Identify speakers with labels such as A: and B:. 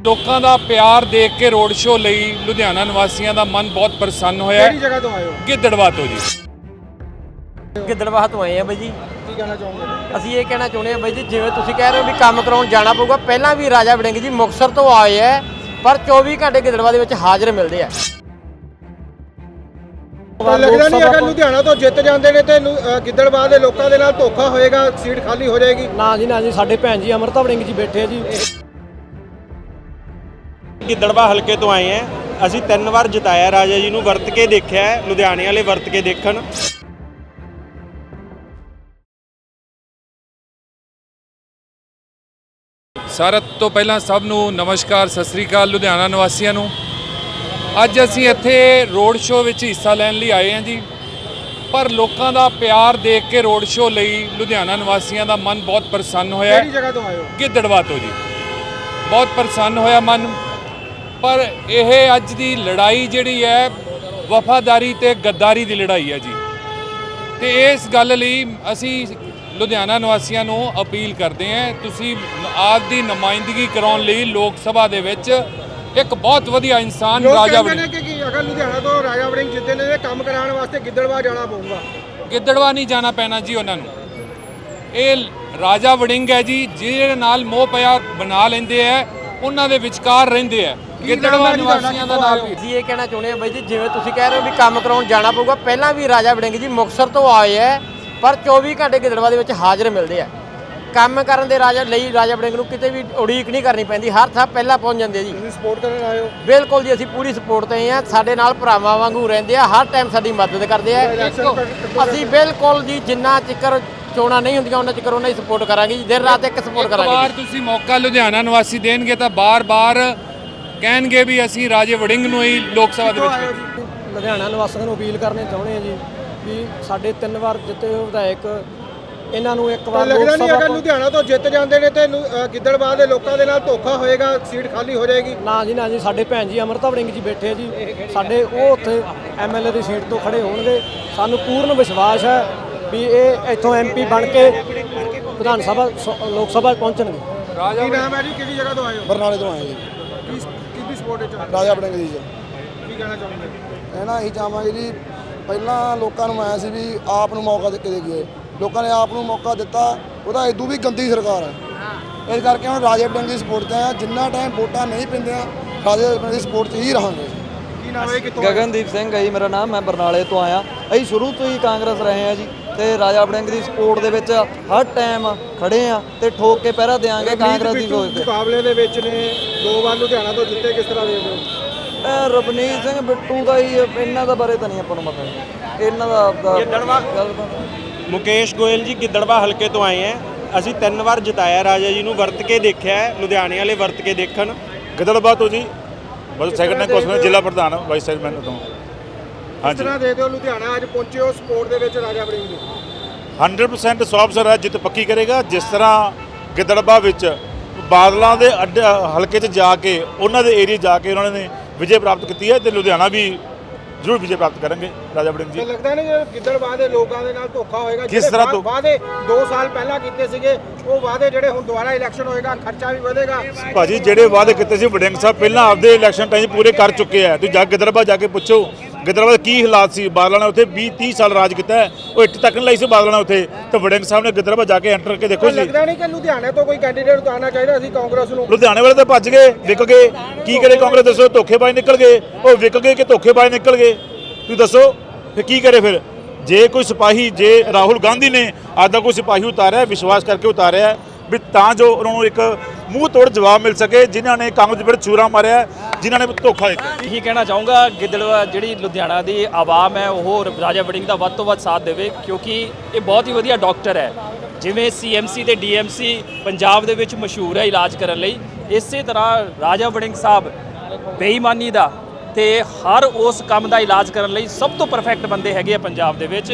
A: ਲੋਕਾਂ ਦਾ ਪਿਆਰ ਦੇਖ ਕੇ ਰੋਡ ਸ਼ੋਅ ਲਈ ਲੁਧਿਆਣਾ ਨਿਵਾਸੀਆਂ ਦਾ ਮਨ ਬਹੁਤ ਪ੍ਰਸੰਨ ਹੋਇਆ।
B: ਕਿਹੜੀ ਜਗ੍ਹਾ ਤੋਂ ਆਏ ਹੋ?
A: ਗਿੱਦੜਵਾ ਤੋਂ ਜੀ।
C: ਗਿੱਦੜਵਾਹ ਤੋਂ ਆਏ ਆ ਬਾਈ ਜੀ।
B: ਕੀ ਕਹਿਣਾ ਚਾਹੋਗੇ?
C: ਅਸੀਂ ਇਹ ਕਹਿਣਾ ਚਾਹੁੰਦੇ ਆ ਬਾਈ ਜੀ, ਜਿਵੇਂ ਤੁਸੀਂ ਕਹਿ ਰਹੇ ਹੋ ਵੀ ਕੰਮ ਕਰਾਉਣ ਜਾਣਾ ਪਊਗਾ, ਪਹਿਲਾਂ ਵੀ ਰਾਜਾ ਵੜਿੰਗ ਜੀ ਮੁਕਤਸਰ ਤੋਂ ਆਏ ਆ, ਪਰ 24 ਘੰਟੇ ਗਿੱਦੜਵਾਹ ਦੇ ਵਿੱਚ ਹਾਜ਼ਰ ਮਿਲਦੇ ਆ।
B: ਲੱਗਦਾ ਨਹੀਂ ਅਗਰ ਲੁਧਿਆਣਾ ਤੋਂ ਜਿੱਤ ਜਾਂਦੇ ਨੇ ਤੇ ਗਿੱਦੜਬਾਹ ਦੇ ਲੋਕਾਂ ਦੇ ਨਾਲ ਧੋਖਾ ਹੋਏਗਾ, ਸੀਟ ਖਾਲੀ ਹੋ ਜਾਏਗੀ?
C: ਨਾ ਜੀ ਨਾ ਜੀ, ਸਾਡੇ ਭੈਣ ਜੀ ਅਮਰਤਾ ਵੜਿੰਗ ਜੀ ਬੈਠੇ ਆ ਜੀ।
D: ਗਿੱਦੜਬਾਹ ਹਲਕੇ ਤੋਂ ਆਏ ਆ। ਅਸੀਂ 3 ਵਾਰ ਜਿਤਾਇਆ ਰਾਜਾ ਜੀ ਨੂੰ, ਵਰਤ ਕੇ ਦੇਖਿਆ, ਲੁਧਿਆਣੇ ਵਾਲੇ ਵਰਤ ਕੇ ਦੇਖਣ।
A: ਸਾਰਿਆਂ ਤੋਂ ਪਹਿਲਾਂ ਸਭ ਨੂੰ ਨਮਸਕਾਰ, ਸਤਿ ਸ੍ਰੀ ਅਕਾਲ ਲੁਧਿਆਣਾ ਨਿਵਾਸੀਆਂ ਨੂੰ। ਅੱਜ ਅਸੀਂ ਇੱਥੇ ਰੋਡ ਸ਼ੋਅ ਵਿੱਚ ਹਿੱਸਾ ਲੈਣ ਲਈ ਆਏ ਹਾਂ ਜੀ, ਪਰ ਲੋਕਾਂ ਦਾ ਪਿਆਰ ਦੇਖ ਕੇ ਰੋਡ ਸ਼ੋਅ ਲਈ ਲੁਧਿਆਣਾ ਨਿਵਾਸੀਆਂ ਦਾ ਮਨ ਬਹੁਤ ਪ੍ਰਸੰਨ ਹੋਇਆ।
B: ਕਿਹੜੀ ਜਗ੍ਹਾ ਤੋਂ ਆਏ ਹੋ?
A: ਗਿੱਦੜਵਾ ਤੋਂ ਜੀ। ਬਹੁਤ ਪ੍ਰਸੰਨ ਹੋਇਆ ਮਨ। ਪਰ ਇਹ ਅੱਜ ਦੀ ਲੜਾਈ ਜਿਹੜੀ ਹੈ ਵਫਾਦਾਰੀ ਤੇ ਗੱਦਾਰੀ ਦੀ ਲੜਾਈ ਹੈ ਜੀ, ਤੇ ਇਸ ਗੱਲ ਲਈ ਅਸੀਂ ਲੁਧਿਆਣਾ ਨਿਵਾਸੀਆਂ ਨੂੰ ਅਪੀਲ ਕਰਦੇ ਹਾਂ, ਤੁਸੀਂ ਆਪ ਦੀ ਨੁਮਾਇੰਦਗੀ ਕਰਾਉਣ ਲਈ ਲੋਕ ਸਭਾ ਦੇ ਵਿੱਚ ਇੱਕ ਬਹੁਤ ਵਧੀਆ ਇਨਸਾਨ ਰਾਜਾ ਵੜਿੰਗ।
B: ਕਿ ਅਗਰ ਲੁਧਿਆਣਾ ਤੋਂ ਰਾਜਾ ਵੜਿੰਗ ਜਿੱਤੇ ਨੇ ਕੰਮ ਕਰਾਉਣ ਵਾਸਤੇ ਗਿੱਦੜਬਾਹ ਜਾਣਾ ਪਊਗਾ।
A: ਗਿੱਦੜਵਾ ਨਹੀਂ ਜਾਣਾ ਪੈਣਾ ਜੀ ਉਹਨਾਂ ਨੂੰ। ਇਹ ਰਾਜਾ ਵੜਿੰਗ ਹੈ ਜੀ, ਜਿਹਦੇ ਨਾਲ ਮੋਹ ਪਿਆਰ ਬਣਾ ਲੈਂਦੇ ਆ, ਉਹਨਾਂ ਦੇ ਵਿਚਕਾਰ ਰਹਿੰਦੇ ਆ। ਗਿੱਦੜਵਾ ਨਿਵਾਸੀਆਂ ਦਾ ਨਾਮ ਵੀ
C: ਅਸੀਂ ਇਹ ਕਹਿਣਾ ਚਾਹੁੰਦੇ ਆ ਬਾਈ ਜੀ, ਜਿਵੇਂ ਤੁਸੀਂ ਕਹਿ ਰਹੇ ਹੋ ਵੀ ਕੰਮ ਕਰਾਉਣ ਜਾਣਾ ਪਊਗਾ, ਪਹਿਲਾਂ ਵੀ ਰਾਜਾ ਵੜਿੰਗ ਜੀ ਮੁਕਤਸਰ ਤੋਂ ਆਏ ਆ, ਪਰ 24 ਘੰਟੇ ਗਿੱਦੜਵਾਹ ਦੇ ਵਿੱਚ ਹਾਜ਼ਰ ਮਿਲਦੇ ਆ। ਕੰਮ ਕਰਨ ਦੇ ਰਾਜਾ ਵੜਿੰਗ ਨੂੰ ਕਿਤੇ ਵੀ ਉਡੀਕ ਨਹੀਂ ਕਰਨੀ ਪੈਂਦੀ, ਹਰ ਥਾਂ ਪਹਿਲਾਂ ਪਹੁੰਚ ਜਾਂਦੇ ਜੀ।
B: ਤੁਸੀਂ ਸਪੋਰਟ ਕਰਨ ਆਏ ਹੋ?
C: ਬਿਲਕੁਲ ਜੀ, ਅਸੀਂ ਪੂਰੀ ਸਪੋਰਟ ਤੇ ਆ, ਸਾਡੇ ਨਾਲ ਭਰਾਵਾਂ ਵਾਂਗੂ ਰਹਿੰਦੇ ਆ, ਹਰ ਟਾਈਮ ਸਾਡੀ ਮਦਦ ਕਰਦੇ ਆ। ਅਸੀਂ ਬਿਲਕੁਲ ਜੀ, ਜਿੰਨਾ ਚਿਕਰ ਚੋਣਾਂ ਨਹੀਂ ਹੁੰਦੀਆਂ ਉਹਨਾਂ ਚਿਕਰ ਉਹਨਾਂ ਦੀ ਸਪੋਰਟ ਕਰਾਂਗੇ ਜੀ, ਦਿਨ ਰਾਤ ਇੱਕ ਸਪੋਰਟ ਕਰਾਂਗੇ।
A: ਬਾਰ ਤੁਸੀਂ ਮੌਕਾ ਲੁਧਿਆਣਾ ਨਿਵਾਸੀ ਦੇਣਗੇ ਤਾਂ ਬਾਰ-ਬਾਰ ਕਹਿਣਗੇ ਵੀ ਅਸੀਂ ਰਾਜੇ ਵੜਿੰਗ ਨੂੰ ਹੀ ਲੋਕ ਸਭਾ ਦੇ ਵਿੱਚ।
C: ਲੁਧਿਆਣਾ ਨਿਵਾਸੀਆਂ ਨੂੰ ਅਪੀਲ ਕਰਨੀ ਚਾਹੁੰਦੇ ਆ ਜੀ ਵੀ ਸਾਡੇ 3 ਵਾਰ ਜਿੱਤੇ ਹੋਏ ਵਿਧਾਇਕ, ਇਹਨਾਂ ਨੂੰ ਇੱਕ ਵਾਰ
B: ਲੱਗਦਾ ਨਹੀਂ ਅਗਰ ਲੁਧਿਆਣਾ ਤੋਂ ਜਿੱਤ ਜਾਂਦੇ ਨੇ ਤੇ ਗਿੱਦੜਬਾਹ ਦੇ ਲੋਕਾਂ ਦੇ ਨਾਲ ਧੋਖਾ ਹੋਏਗਾ, ਸੀਟ ਖਾਲੀ ਹੋ ਜਾਏਗੀ?
C: ਨਾ ਜੀ ਨਾ ਜੀ, ਸਾਡੇ ਭੈਣ ਜੀ ਅਮਰਤਾ ਵੜਿੰਗ ਜੀ ਬੈਠੇ ਆ ਜੀ, ਸਾਡੇ ਉਹ ਉੱਥੇ ਐਮਐਲਏ ਦੀ ਸੀਟ ਤੋਂ ਖੜੇ ਹੋਣਗੇ। ਸਾਨੂੰ ਪੂਰਨ ਵਿਸ਼ਵਾਸ ਹੈ ਵੀ ਇਹ ਇੱਥੋਂ ਐਮਪੀ ਬਣ ਕੇ ਵਿਧਾਨ ਸਭਾ ਲੋਕ ਸਭਾ ਪਹੁੰਚਣਗੇ।
B: ਕੀ ਨਾਮ ਹੈ ਜੀ? ਕਿਹੜੀ ਜਗ੍ਹਾ ਤੋਂ ਆਏ ਹੋ?
E: ਬਰਨਾਲੇ ਤੋਂ ਆਏ ਜੀ।
B: ਕਿਹਦੀ ਸਪੋਰਟ ਵਿੱਚ?
E: ਰਾਜਾ ਵੜਿੰਗ ਜੀ।
B: ਕੀ ਕਹਿਣਾ ਚਾਹੁੰਦੇ?
E: ਇਹ ਨਾ ਇਹੀ ਚਾਹਾਂਗੇ ਜੀ, ਪਹਿਲਾਂ ਲੋਕਾਂ ਨੂੰ ਆਇਆ ਸੀ ਵੀ ਆਪ ਨੂੰ ਮੌਕਾ ਦੇ ਕੇ ਦੇਖੀਏ, ਲੋਕਾਂ ਨੇ ਆਪ ਨੂੰ ਮੌਕਾ ਦਿੱਤਾ, ਉਹਦਾ ਇਦੋਂ ਵੀ ਗੰਦੀ ਸਰਕਾਰ ਹੈ। ਇਸ ਕਰਕੇ ਹੁਣ ਰਾਜਾ ਵੜਿੰਗ ਦੀ ਸਪੋਰਟ 'ਤੇ ਆ, ਜਿੰਨਾ ਟਾਈਮ ਵੋਟਾਂ ਨਹੀਂ ਪੈਂਦੀਆਂ ਰਾਜਾ ਵੜਿੰਗ ਦੀ ਸਪੋਰਟ 'ਚ ਹੀ ਰਹਾਂਗੇ।
B: ਕੀ ਨਾਮ ਹੈ? ਕਿੱਥੋਂ?
F: ਗਗਨਦੀਪ ਸਿੰਘ ਹੈ ਜੀ ਮੇਰਾ ਨਾਮ, ਮੈਂ ਬਰਨਾਲੇ ਤੋਂ ਆਇਆ। ਅਸੀਂ ਸ਼ੁਰੂ ਤੋਂ ਹੀ ਕਾਂਗਰਸ ਰਹੇ ਹਾਂ ਜੀ, ਤੇ ਰਾਜਾ ਵੜਿੰਗ ਦੀ ਸਪੋਰਟ ਦੇ ਵਿੱਚ ਹਰ ਟਾਈਮ ਖੜੇ ਆ ਤੇ ਠੋਕ ਕੇ ਪਹਿਰਾ ਦੇਾਂਗੇ ਕਾਂਗਰਸ ਦੀ ਸੋਚ ਤੇ।
B: ਮੁਕਾਬਲੇ ਦੇ ਵਿੱਚ ਨੇ 2 ਵਾਰ ਲੁਧਿਆਣਾ ਤੋਂ ਜਿੱਤੇ, ਕਿਸ ਤਰ੍ਹਾਂ ਦੇਖਦੇ ਹੋ?
F: ਰਵਨੀਤ ਸਿੰਘ ਬਿੱਟੂ ਦਾ ਹੀ, ਇਹਨਾਂ ਦਾ ਬਾਰੇ ਤਾਂ ਨਹੀਂ ਆਪਾਂ ਨੂੰ ਪਤਾ, ਇਹਨਾਂ ਦਾ
D: ਗਿੱਦੜਬਾਹ ਮੁਕੇਸ਼ ਗੋਇਲ ਜੀ ਗਿੱਦੜਬਾਹ ਹਲਕੇ ਤੋਂ ਆਏ ਆ। ਅਸੀਂ 3 ਵਾਰ ਜਿਤਾਇਆ ਰਾਜਾ ਜੀ ਨੂੰ, ਵਰਤ ਕੇ ਦੇਖਿਆ, ਲੁਧਿਆਣੇ ਵਾਲੇ ਵਰਤ ਕੇ ਦੇਖਣ।
G: ਗਿੱਦੜਬਾਹ ਤੋਂ ਜੀ, ਬਸ ਸੈਕਟਰੀ ਕੋਸਮੇ ਜ਼ਿਲ੍ਹਾ ਪ੍ਰਧਾਨ ਵਾਈਸ ਚੇਅਰਮੈਨ ਤੋਂ।
B: ਕਿਸ ਤਰ੍ਹਾਂ ਦੇਖਦੇ ਹੋ ਲੁਧਿਆਣਾ ਅੱਜ ਪਹੁੰਚੇ ਹੋ ਸਪੋਰਟ ਦੇ ਵਿੱਚ ਰਾਜਾ ਵੜਿੰਗ ਦੀ?
G: 100% ਸੌ ਹੈ ਜਿੱਤ ਪੱਕੀ ਕਰੇਗਾ। ਜਿਸ ਤਰ੍ਹਾਂ ਗਿੱਦੜਬਾਹ ਵਿੱਚ ਬਾਦਲਾਂ ਦੇ ਹਲਕੇ 'ਚ ਜਾ ਕੇ, ਉਹਨਾਂ ਦੇ ਏਰੀਆ ਜਾ ਕੇ ਉਹਨਾਂ ਨੇ ਵਿਜੇ ਪ੍ਰਾਪਤ ਕੀਤੀ ਹੈ, ਤੇ ਲੁਧਿਆਣਾ ਵੀ ਜ਼ਰੂਰ ਵਿਜੇ ਪ੍ਰਾਪਤ ਕਰਨਗੇ ਰਾਜਾ ਵੜਿੰਗ ਜੀ।
B: ਲੱਗਦਾ ਨਹੀਂ ਕਿ ਗਿੱਦੜਬਾਹ ਦੇ ਲੋਕਾਂ ਦੇ ਨਾਲ ਧੋਖਾ ਹੋਏਗਾ?
G: ਕਿਸ ਤਰ੍ਹਾਂ ਤੋਂ?
B: ਵਾਅਦੇ 2 ਸਾਲ ਪਹਿਲਾਂ ਕੀਤੇ ਸੀਗੇ, ਉਹ ਵਾਅਦੇ ਜਿਹੜੇ ਹੁਣ ਦੁਬਾਰਾ ਇਲੈਕਸ਼ਨ ਹੋਏਗਾ, ਖਰਚਾ ਵੀ ਵਧੇਗਾ।
G: ਭਾਜੀ ਜਿਹੜੇ ਵਾਅਦੇ ਕੀਤੇ ਸੀ ਵੜਿੰਗ ਸਾਹਿਬ ਪਹਿਲਾਂ ਆਪਦੇ ਇਲੈਕਸ਼ਨ ਟਾਈਮ ਪੂਰੇ ਕਰ ਚੁੱਕੇ ਆ। ਤੁਸੀਂ ਜਾ ਗਿੱਦੜਬਾਹ ਜਾ ਕੇ ਪੁੱਛੋ ਗਿੱਦੜਬਾਹ ਦੇ ਕੀ ਹਾਲਾਤ ਸੀ। ਬਾਦਲਾਂ ਨੇ ਉੱਥੇ 20-30 ਸਾਲ ਰਾਜ ਕੀਤਾ, ਉਹ ਇੱਟ ਤੱਕ ਨਹੀਂ ਲਾਈ ਸੀ ਬਾਦਲਾਂ ਨੇ ਉੱਥੇ, ਤੇ ਵੜਿੰਗ ਸਾਹਿਬ ਨੇ ਗਿੱਦੜਬਾਹ ਜਾ ਕੇ ਐਂਟਰ ਕਰਕੇ ਦੇਖੋ ਜੀ।
B: ਲੱਗਦਾ ਨਹੀਂ ਕਿ ਲੁਧਿਆਣੇ ਤੋਂ ਕੋਈ ਕੈਂਡੀਡੇਟ ਉਤਾਰਨਾ ਚਾਹੀਦਾ ਸੀ ਕਾਂਗਰਸ ਨੂੰ?
G: ਲੁਧਿਆਣੇ ਵਾਲੇ ਤਾਂ ਭੱਜ ਗਏ, ਵਿਕ ਗਏ। ਕੀ ਕਰੇ ਕਾਂਗਰਸ ਦੱਸੋ? ਧੋਖੇਬਾਜ਼ ਨਿਕਲ ਗਏ, ਉਹ ਵਿਕ ਗਏ ਕਿ ਧੋਖੇਬਾਜ਼ ਨਿਕਲ ਗਏ? ਤੁਸੀਂ ਦੱਸੋ ਫਿਰ ਕੀ ਕਰੇ? ਫਿਰ ਜੇ ਕੋਈ ਸਿਪਾਹੀ, ਜੇ ਰਾਹੁਲ ਗਾਂਧੀ ਨੇ ਅੱਜ ਦਾ ਕੋਈ ਸਿਪਾਹੀ ਉਤਾਰਿਆ, ਵਿਸ਼ਵਾਸ ਕਰਕੇ ਉਤਾਰਿਆ ਵੀ ਤਾਂ ਜੋ ਉਹਨਾਂ ਨੂੰ ਇੱਕ ਮੂੰਹ ਤੋੜ ਜਵਾਬ ਮਿਲ ਸਕੇ, ਜਿਨ੍ਹਾਂ ਨੇ ਕਾਂਗਰਸ ਦੇ ਵਿੱਚ ਚੂਰਾ ਮਾਰਿਆ, ਜਿਨ੍ਹਾਂ ਨੇ ਧੋਖਾ ਦਿੱਤਾ।
H: ਇਹੀ ਕਹਿਣਾ ਚਾਹੂੰਗਾ, ਗਿੱਦੜਬਾਹ ਜਿਹੜੀ ਲੁਧਿਆਣਾ ਦੀ ਆਵਾਮ ਹੈ ਉਹ ਰਾਜਾ ਵੜਿੰਗ ਦਾ ਵੱਧ ਤੋਂ ਵੱਧ ਸਾਥ ਦੇਵੇ, ਕਿਉਂਕਿ ਇਹ ਬਹੁਤ ਹੀ ਵਧੀਆ ਡਾਕਟਰ ਹੈ। ਜਿਵੇਂ CMC ਤੇ DMC ਪੰਜਾਬ ਦੇ ਵਿੱਚ ਮਸ਼ਹੂਰ ਹੈ ਇਲਾਜ ਕਰਨ ਲਈ, ਇਸੇ ਤਰ੍ਹਾਂ ਰਾਜਾ ਵੜਿੰਗ ਸਾਹਿਬ ਬੇਈਮਾਨੀ ਦਾ ਤੇ ਹਰ ਉਸ ਕੰਮ ਦਾ ਇਲਾਜ ਕਰਨ ਲਈ ਸਭ ਤੋਂ ਪਰਫੈਕਟ ਬੰਦੇ ਹੈਗੇ ਆ ਪੰਜਾਬ ਦੇ ਵਿੱਚ।